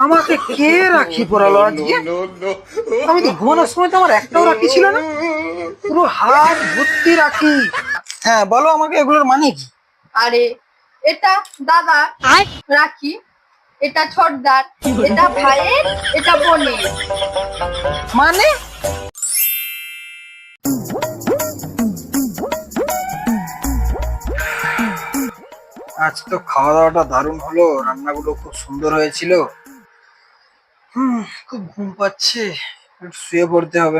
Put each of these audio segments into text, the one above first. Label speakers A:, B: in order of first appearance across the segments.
A: আমাকে কে রাখি পরালো আজকে? আমি তো ঘুমানোর সময় তো আমার একটাও রাখি ছিল না, পুরো হাত ভর্তি রাখি। হ্যাঁ বলো আমাকে এগুলোর মানে কি?
B: আরে এটা দাদা রাখি, এটা ছোটদার, এটা ভাইয়ের, এটা বোনের।
A: মানে আজ তো খাওয়া দাওয়াটা দারুণ হলো, রান্নাগুলো খুব সুন্দর হয়েছিল। খুব ঘুম পাচ্ছে, একটু শুয়ে পড়তে হবে।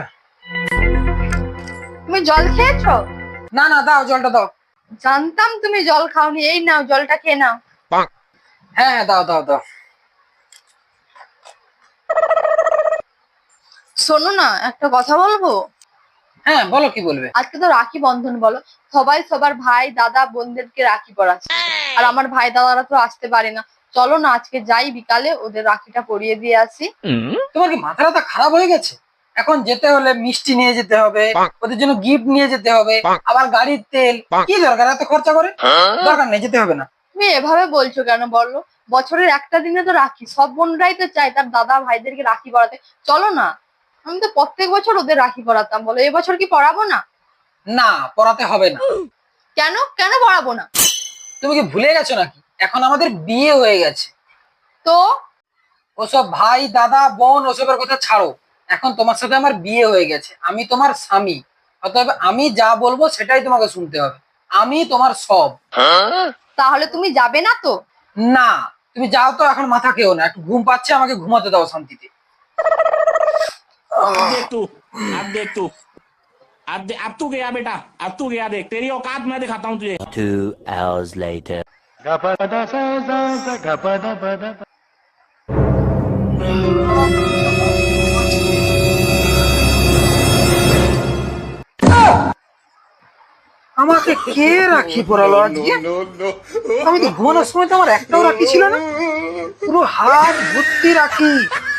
B: তুমি জল খেয়েছো?
A: না না, দাও জলটা দাও।
B: জানতাম তুমি জল খাওনি, এই নাও জলটা খেয়ে নাও।
A: হ্যাঁ হ্যাঁ, দাও দাও দাও।
B: শোনো না, একটা কথা বলবো।
A: হ্যাঁ বলো, কি বলবে?
B: আজকে তো রাখি বন্ধন, বলো সবাই সবার ভাই দাদা বোনদেরকে রাখি পরাচ্ছে, আর আমার ভাই দাদারা তো আসতে পারে না। চলো না আজকে যাই, বিকালে ওদের রাখিটা পরিয়ে দিয়ে আসি।
A: তোমার কি মাথাটা খারাপ হয়ে গেছে? এখন যেতে হলে মিষ্টি নিয়ে যেতে হবে, ওদের জন্য গিফট নিয়ে যেতে হবে, আবার গাড়ির তেল, কি দরকার এত খরচা করে? দরকার নেই, যেতে হবে না।
B: তুমি এভাবে বলছো কেন বলো? বছরের একটা দিনে তো রাখি, সব বোনরাই তো চায় তার দাদা ভাইদেরকে রাখি পরাতে। চলো না, আমি তো প্রত্যেক বছর ওদের রাখি পরাতাম, বলো এবছর কি পরাবো না?
A: না, পড়াতে হবে না।
B: কেন কেন পরাবো না?
A: তুমি কি ভুলে গেছো নাকি এখন আমাদের বিয়ে হয়ে গেছে?
B: তো
A: ওসব ভাই দাদা বোন ওসবের কথা ছাড়ো, এখন তোমার সাথে আমার বিয়ে হয়ে গেছে, আমি তোমার স্বামী, অতএব আমি যা বলবো সেটাই তোমাকে শুনতে হবে। আমি তোমার সব।
B: তাহলে তুমি যাবে না তো?
A: না, তুমি যাও তো, এখন মাথা খেও না, একটু ঘুম পাচ্ছে, আমাকে ঘুমাতে দাও শান্তিতে।
C: अब देख तू अब देख तू अब तू गया बेटा, अब तू गया, देख तेरी औकात मैं दिखाता हूँ तुझे।
D: 2 hours later.
A: আমাকে কে রাখি পরালো আজকে? আমি তো ঘুমানোর সময় তো আমার একটাও রাখি ছিল না, পুরো হাত ভর্তি রাখি।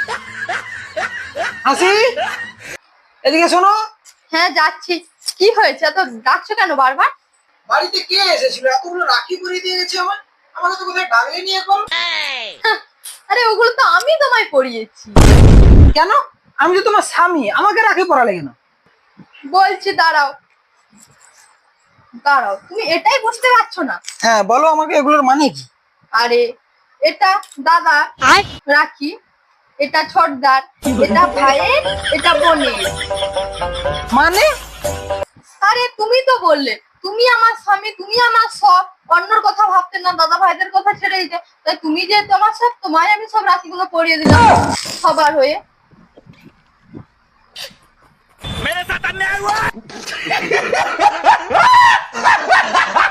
A: হাসি, এদিকে শোনো।
B: হ্যাঁ যাচ্ছি। কি হয়েছে, এত ডাকছো কেন বারবার?
A: বাড়িতে কে এসেছিল, এতগুলো রাখি পরিয়ে দিয়ে গেছে আমার, আমাকে তো কোথায় ডাকলে নিয়ে করো।
B: আরে ওগুলো তো আমি তোমায় পরিয়েছি।
A: কেন? আমি তো তোমার স্বামী, আমাকে রাখি পরালে কেন?
B: বলছি দাঁড়াও দাঁড়াও, তুমি এটাই বুঝতে পারছো না?
A: হ্যাঁ বলো আমাকে এগুলোর মানে কি?
B: আরে এটা দাদা রাখি, এটা ছোটদার, এটা ভাইয়ের, এটা বোনের।
A: মানে
B: আরে তুমি তো বললে তুমি আমার স্বামী, তুমি আমার সব, অন্যর কথা ভাবতে না, দাদা ভাইদের কথা ছেড়ে দিতে। তাই তুমি যে তোমার সব, তোমায় আমি সব রাখিগুলো পরিয়ে দিলাম সবার হয়ে।
C: मेरे साथ अन्याय हुआ।